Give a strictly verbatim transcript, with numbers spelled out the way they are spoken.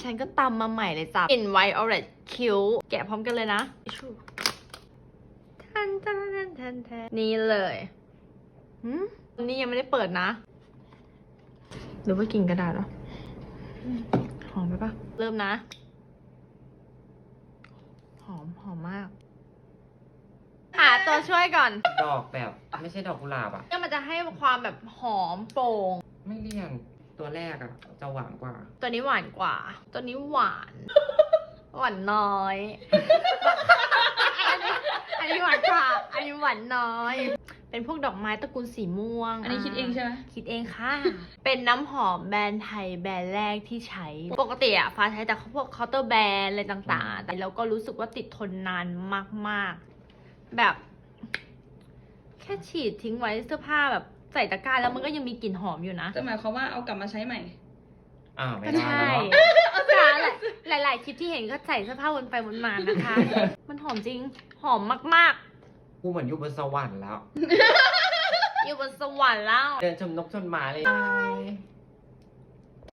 ฉันก็ตำมาใหม่เลยจ้ะกลิ่นไวโอเลตคิ้วแกะพร้อมกันเลยนะทันทันทันทันทันนี่เลยหืมนี่ยังไม่ได้เปิดนะหรือว่ากลิ่นกระดาษเหรอหอมไหมปะเริ่มนะหอมหอมมากหาตัวช่วยก่อนดอกแบบไม่ใช่ดอกกุหลาบอ่ะเนี่ยมันจะให้ความแบบหอมโปร่งไม่เลี่ยนตัวแรกอ่ะจะหวานกว่าตัวนี้หวานกว่า ตัวนี้หวาน หวานน้อย อันนี้อันนี้หวานกว่า อันนี้หวานน้อย เป็นพวกดอกไม้ตระกูลสีม่วงอันนี้คิดเองใช่ไหมคิดเองค่ะ เป็นน้ำหอมแบรนด์ไทยแบรนด์แรกที่ใช้ ปกติอะฟ้าใช้แต่พวกเคาน์เตอร์แบรนด์อะไรต่างๆ แต่เราก็รู้สึกว่าติดทนนานมากๆ แบบ แค่ฉีดทิ้งไว้เสื้อผ้าแบบใส่ตะกร้าแล้วมันก็ยังมีกลิ่นหอมอยู่นะจะหมายความว่าเอากลับมาใช้ใหม่อ่าไม่ก็ได้ใช่ หลายหลายๆคลิปที่เห็นก็ใส่เสื้อผ้าวนไปวนมานะคะ มันหอมจริง หอมมากกูเหมือนอยู่บนสวรรค์แล้วๆ อยู่บนสวรรค์แล้วเดินชมนกชมไม้เลย